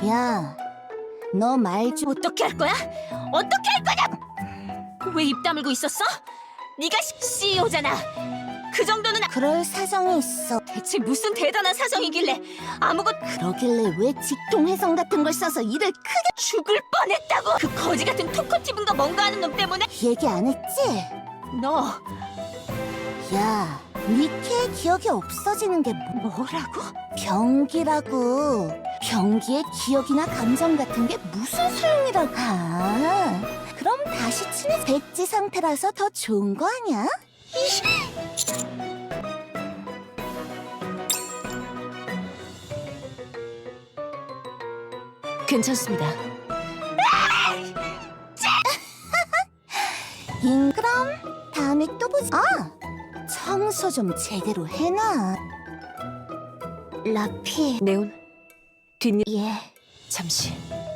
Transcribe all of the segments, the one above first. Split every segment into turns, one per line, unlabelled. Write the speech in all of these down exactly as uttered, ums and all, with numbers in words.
야, 너 말 좀.
어떻게 할 거야? 어떻게 할 거냐? 왜 입 다물고 있었어? 네가 씨이오잖아. 그 정도는 아-
그럴 사정이 있어.
대체 무슨 대단한 사정이길래 아무것
그러길래 왜 직통회성 같은 걸 써서 일을 크게.
죽을 뻔했다고. 그 거지 같은 토커티브인가 뭔가 하는 놈 때문에.
얘기 안 했지?
너
야, 니케의 기억이 없어지는 게 뭐-
뭐라고?
병기라고. 병기의 기억이나 감정 같은 게 무슨 소용이라고. 아, 그럼 다시 친해. 백지 상태라서 더 좋은 거 아니야?
괜찮습니다.
잉, 그럼 다음에 또 보자. 아, 청소 좀 제대로 해놔. 라피.
네온 뒷일
예.
잠시.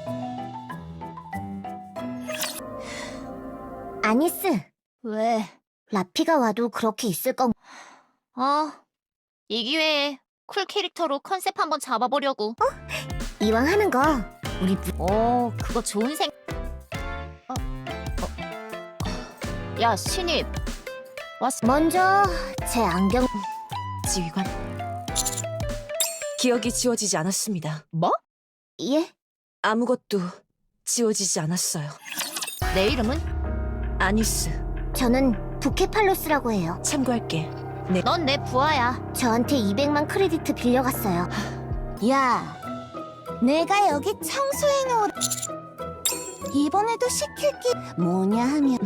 아니스,
왜?
라피가 와도 그렇게 있을 건.
어, 이 기회에 쿨 캐릭터로 컨셉 한번 잡아보려고.
이왕 하는 거 우리 무...
오, 그거 좋은 생. 어, 어. 야, 신입. 왔어.
먼저 제 안경.
지휘관, 기억이 지워지지 않았습니다.
뭐?
예?
아무것도 지워지지 않았어요.
내 이름은?
아니스,
저는 부케팔로스라고 해요.
참고할게.
넌 내 부하야.
저한테 이백만 크레디트 빌려갔어요. 야, 내가 여기 청소해놓으. 이번에도 시킬 게 뭐냐 하면.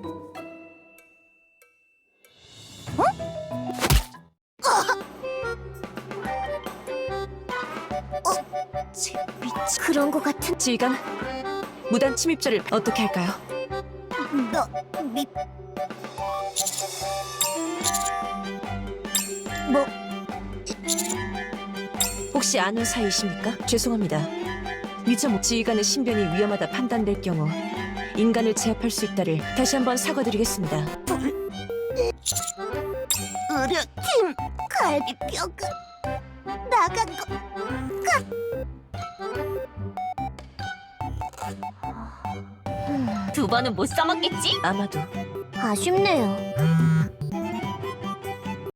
미치.
그런 거 같은.
지휘관, 무단 침입자를 어떻게 할까요?
너 미. 뭐?
혹시 아는 사이이십니까? 죄송합니다. 미처 못 지휘관의 신변이 위험하다 판단될 경우 인간을 제압할 수 있다를 다시 한번 사과드리겠습니다.
의료팀 갈비뼈가 나간 거.
두 번은 못 써먹겠지?
아마도
아쉽네요.